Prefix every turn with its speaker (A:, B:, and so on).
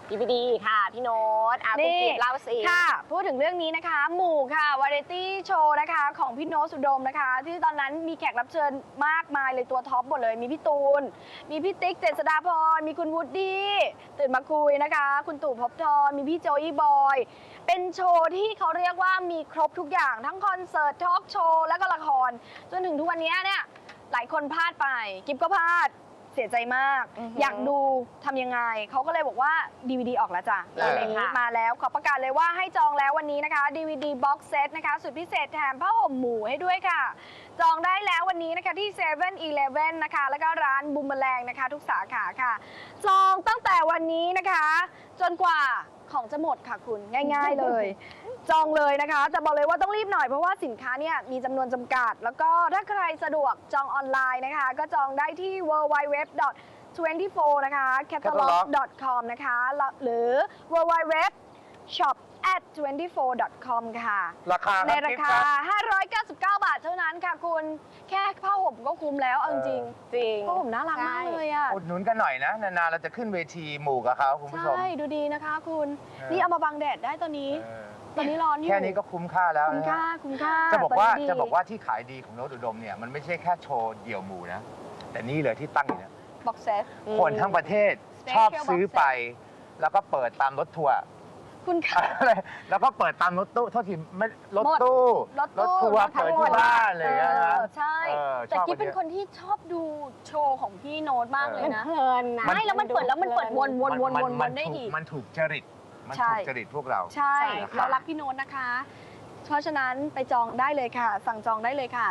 A: DVD ค่ะพี่โน้ตคุณกิฟเล่าสิ
B: ค่ะพูดถึงเรื่องนี้นะคะหมู่ค่ะวาไรตี้โชว์นะคะของพี่โน้ตสุดมนะคะที่ตอนนั้นมีแขกรับเชิญมากมายเลยตัวท็อปหมดเลยมีพี่ตูนมีพี่ติ๊กเจษฎาพรมีคุณวูดดี้ตื่นมาคุยนะคะคุณตู่ภพบทรมีพี่โจอี้บอยเป็นโชว์ที่เขาเรียกว่ามีครบทุกอย่างทั้งคอนเสิร์ตทอล์กโชว์และก็ละครจนถึงทุกวันนี้เนี่ยหลายคนพลาดไปกิฟก็พลาดเสียใจมากอยากดูทำยังไงเขาก็เลยบอกว่า DVD ออกแล้วจ้ะตอนนี้มาแล้วขอประกาศเลยว่าให้จองแล้ววันนี้นะคะ DVD Box Set นะคะสุดพิเศษแถมผ้าห่มหมูให้ด้วยค่ะจองได้แล้ววันนี้นะคะที่7-Eleven นะคะแล้วก็ร้านบูมเมอแรงนะคะทุกสาขาค่ะจองตั้งแต่วันนี้นะคะจนกว่าของจะหมดค่ะคุณง่ายๆเลย จองเลยนะคะจะบอกเลยว่าต้องรีบหน่อยเพราะว่าสินค้าเนี่ยมีจำนวนจำกัดแล้วก็ถ้าใครสะดวกจองออนไลน์นะคะก็จองได้ที่ www.24 นะคะ catalog.com นะคะหรือ www.shop@24.com ค่ะ
C: ราคาใน
B: ราคา 599 บาทเท่านั้นค่ะคุณแค่ผ้าห่มก็คุ้มแล้วเอาจริงผ้าห่มน่ารักมากเลยอ่ะ
C: อุดหนุนกันหน่อยนะนานๆเราจะขึ้นเวทีหมู่กับเขาคุณผู้ชม
B: ใช่ดูดีนะคะคุณนี่เอามาบังแดดได้ตอนนี้ร้อนอยู่
C: แค่นี้ก็คุ้มค่าแล้ว
B: คุ้ม
C: นะ
B: ค่าคุ้มค่า
C: จะบอกว่าที่ขายดีของโน้ตอุดมเนี่ยมันไม่ใช่แค่โชว์เดี่ยวหมู่นะแต่นี่เลยที่ตั้งอยู่เนี่ย
B: บ็อกเซต
C: คนทั้งประเทศชอบซื้อไป แล้วก็เปิดตามรถทัวร์
B: คุณค่ะ
C: แล้วก็เปิดตามรถตู้โทษทีไม่รถตู้
B: รถตู้
C: ทัวร์เปิดที่บ้านเลยนะ
B: ใช่ แต่กิ๊บเป็นคนที่ชอบดูโชว์ของพี่โน้ตมากเลยนะ
A: เพลินนะ
B: ใช่แล้วมันเปิดแล้วมันเปิดวนได้อีก
C: มันถูกจริตมัน
B: ใช่
C: ถูกจริตพวกเรา
B: ใช่
C: ใช่ครับ
B: เรารักพี่โน้ตนะคะ เพราะฉะนั้นไปจองได้เลยค่ะ สั่งจองได้เลยค่ะ